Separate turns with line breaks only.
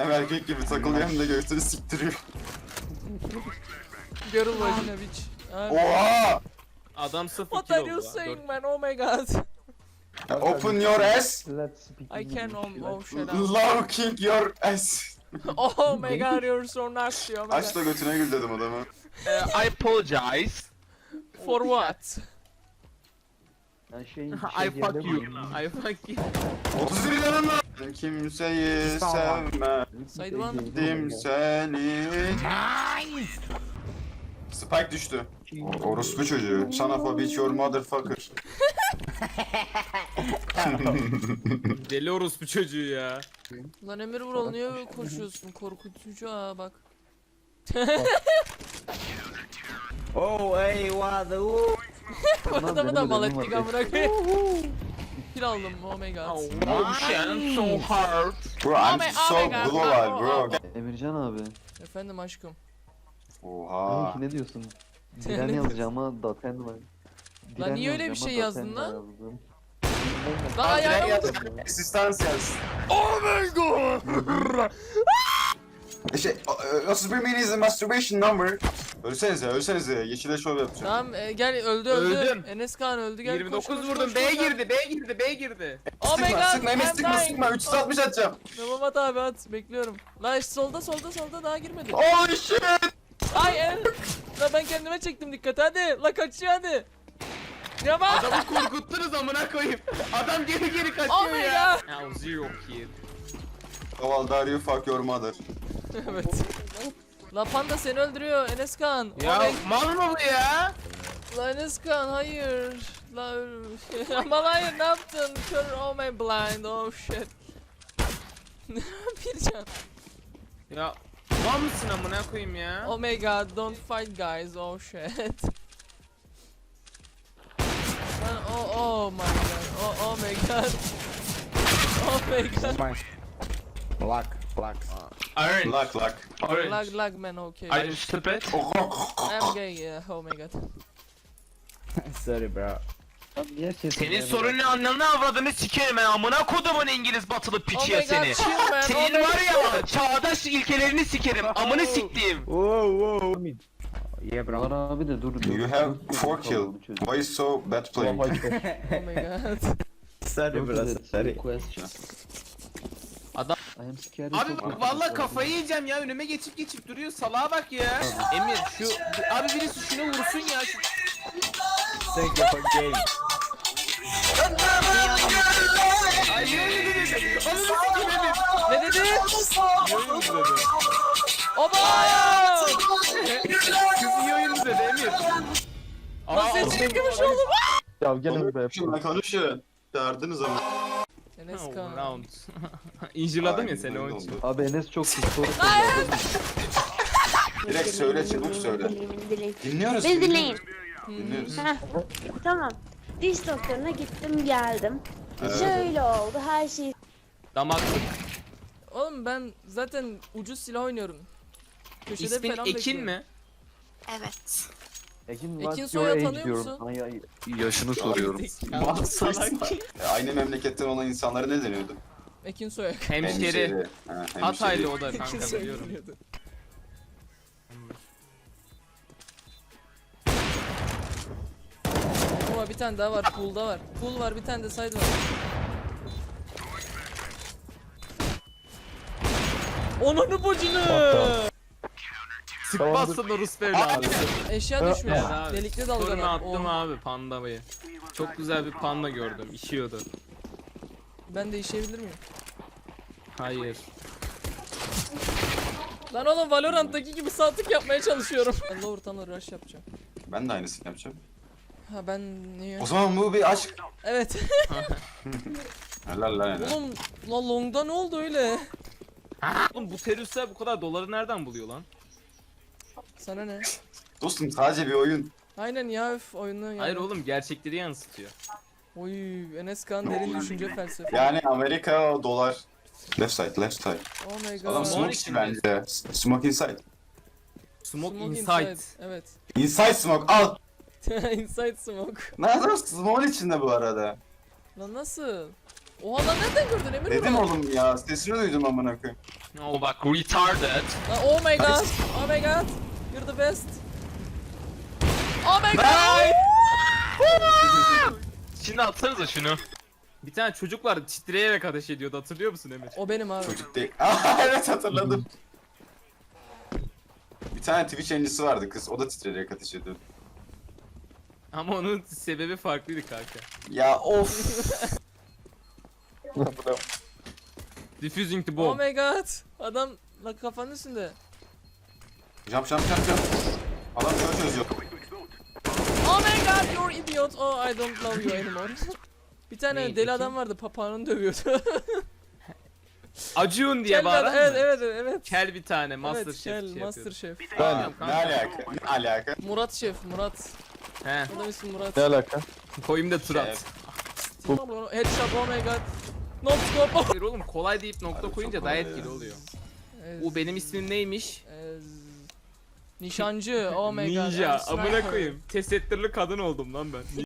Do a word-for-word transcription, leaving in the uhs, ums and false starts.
Hem erkek gibi takılıyor hem de göğsünü siktiriyor.
Girl vagina bitch. Abi.
Oha!
Adam sıfır
What
kilo
are you
oldu lan,
saying
dört-
man? Oh my god.
Open your ass.
Let's speak
I can
English.
um, oh shut up.
Love king your ass.
Oh my god, you're so nasty. Oh my
Aç da
god.
götüne gül dedim adamı.
Eh, I apologize.
For what?
Yani şey,
I
şey
fuck
diyebilir
you.
miyim?
I fuck you.
otuz bir yanım var. Kimseyi sevmedim
Side one.
seni. Spike düştü. O- Orospu çocuğu. Son of a bitch your motherfucker.
Deli orospu çocuğu ya.
Lan Emir Vural niye koşuyorsun? Korkutucu ha bak.
Oh, hey, what the woo?
Bu adamı da
benim
mal
ödevim
ettik
var.
amına koyayım. Kill aldım oh my god.
Oh shit, so hard.
Bro
Oh
I'm
my-
so
oh my God,
global
oh,
bro.
oh,
Emircan abi.
Efendim aşkım.
Oha.
Kanki ne diyorsun? Diren yazacağıma daten var. Diren
niye öyle bir şey
yazacağıma
yazdın
daten
lan?
yazdım.
Lan ayağına vurdum.
Assistance yaz.
Oh my god.
Şey, otuz bir mini is a masturbation number. Ölsenize, ölsenize. Yeşile şov yapacağım.
Tamam e, gel öldü öldü.
Öldüm.
Enes Kaan öldü gel.
yirmi
koş,
dokuz
koş,
vurdum.
koş,
B
koş,
girdi, B girdi, B girdi.
Oh my
Sıkma,
god.
sıkma, Enes,
I'm
sıkma,
dying.
sıkma. üç yüz altmış atacağım.
Tamam at abi at bekliyorum. Lan işte solda solda solda daha girmedi.
Oh shit!
Ay el. La ben kendime çektim dikkat hadi. La kaçıyor hadi. Yama.
Adamı korkuttunuz amına koyayım. Adam geri geri kaçıyor
Oh my
ya.
god.
Ya zero kill.
Oval Dario fuck your mother.
Evet. La panda seni öldürüyor Enes Kaan.
Ya
Oh my-
mal mı bu ya?
La Enes Kaan hayır. La ama hayır ne yaptın? Kör oh my blind oh shit. Bir can.
Ya mal mısın amına koyayım ya?
Oh my god don't fight guys oh shit. Lan oh oh my god oh oh my god. Oh my god.
Black, black.
Orange.
Luck luck.
Orange.
Lag lag man okay.
Are you stupid?
I'm gay yeah oh my god.
Sorry, bro.
Abi niye kesin
Senin
yani?
sorunun anlamını avradını sikerim ben amına kodumun İngiliz batılı
Oh
piçi ya
my god
seni.
chill man oh
Senin
my
var ya çağdaş ilkelerini sikerim amını siktiğim.
Whoa, whoa. Yeah, bro.
Var abi de dur dur.
You have four kill. Why is so bad playing?
oh my god.
Sorry, bro. Sorry.
Question.
Adam-
I am scared
Abi
of-
bak vallahi kafayı yiyeceğim ya önüme geçip geçip duruyor salağa bak ya. Emir şu abi birisi şuna vursun ya. Şu...
Thank you for game.
Ay niye öyle dedi? Ananı sikeyim Emir.
Ne dedi?
İyi oyun dedi.
Oba!
Kız iyi oyun dedi Emir.
Lan sen çıkmış oğlum.
Ya gel be.
Konuşun lan konuşun. Çağırdınız ama.
Enes
Oh,
Kaan.
round. İncirladım ya
Aynen
seni
öyle
onun için.
oldu.
Abi Enes çok pis soru
Direkt söyle çabuk söyle. Dinliyoruz.
Beni dinleyin.
Dinliyoruz.
Heh, tamam. Diş doktoruna gittim geldim.
Evet.
Şöyle oldu her şey.
Damaklık.
Oğlum ben zaten ucuz silah oynuyorum. Köşede
İsmin
falan
Ekin
bekliyorum.
mi?
Evet.
Ekin,
Ekin
what's
Soy'a
your age
tanıyor
diyorum.
musun?
Ay, ay.
Yaşını soruyorum.
Mal salak.
E, Aynı memleketten olan insanlara ne deniyordu?
Ekin Soyak.
Hemşeri.
Ha, hemşeri.
Hataylı o da
Ekin
kanka
Soyak
biliyorum.
deniyordu. Ama bir tane daha var. Pool'da var. Pool var bir tane de side var. Onunu bocunu.
Sıkmazsın o Rus evladı.
Eşya düşmüş.
Evet abi.
Delikli
Sorunu
dalgalar.
attım
Oha.
abi pandamayı. Çok güzel bir panda gördüm. İşiyordu.
Ben de işeyebilir miyim?
Hayır.
Lan oğlum Valorant'taki gibi saltık yapmaya çalışıyorum. Ben lower tunnel rush yapacağım.
Ben de aynısını yapacağım.
Ha ben niye?
O zaman bu bir aşk.
Evet.
Helal lan helal.
Oğlum la long'da ne oldu öyle?
Oğlum bu teröristler bu kadar doları nereden buluyor lan?
Sana ne?
Dostum sadece bir oyun.
Aynen ya üf oyunu yani.
Hayır oğlum gerçekleri yansıtıyor.
Oy Enes Kaan derin düşünce felsefe.
Yani Amerika dolar. Left side, left side.
Oh my god.
Adam
Smoke
smoke
içinde.
içi bence. Smoke inside.
Smoke,
Smoke
inside.
Evet.
Inside smoke al.
Inside smoke.
Nerede smoke içinde bu arada?
Lan nasıl? Oha lan nereden gördün Emir
Dedim
bunu?
oğlum ya, sesini duydum amına koyayım.
Oh bak retarded.
Lan, oh my god. Oh my god. You're the best. Oh my god.
Şimdi atsanıza şunu. Bir tane çocuk var titreyerek ateş ediyordu, hatırlıyor musun Emir?
O benim abi.
Çocuk değil. Aa, evet hatırladım. Bir tane Twitch yayıncısı vardı kız, o da titreyerek ateş ediyordu.
Ama onun sebebi farklıydı kanka.
Ya of.
Diffusing the
Oh
bomb.
my god. Adam la kafanın üstünde.
Jump jump jump jump. Adam şöyle çözüyor.
Oh my god, you're idiot. Oh, I don't love you anymore. Bir tane
Neydi
deli
ki?
adam vardı, papağanını dövüyordu.
Acun diye
Kel bir
bağıran
adam- evet,
mı?
evet, evet.
Kel bir tane Master
Evet,
Chef
kel,
şey yapıyordu.
Master Chef.
Aa,
Kanka.
ne alaka? Ne alaka?
Murat Şef, Murat.
He.
Adam ismi Murat.
Ne alaka?
Koyayım da tur at.
Şef.
Headshot, oh my god. No scope.
Hayır oğlum, kolay deyip nokta
Abi
koyunca
çok
daha
kolay
etkili
ya.
oluyor.
Ez-
O benim ismim neymiş?
ez- Nişancı, oh my god.
Ninja.
I'm a
Amına
sniper.
koyayım. Tesettürlü kadın oldum lan ben.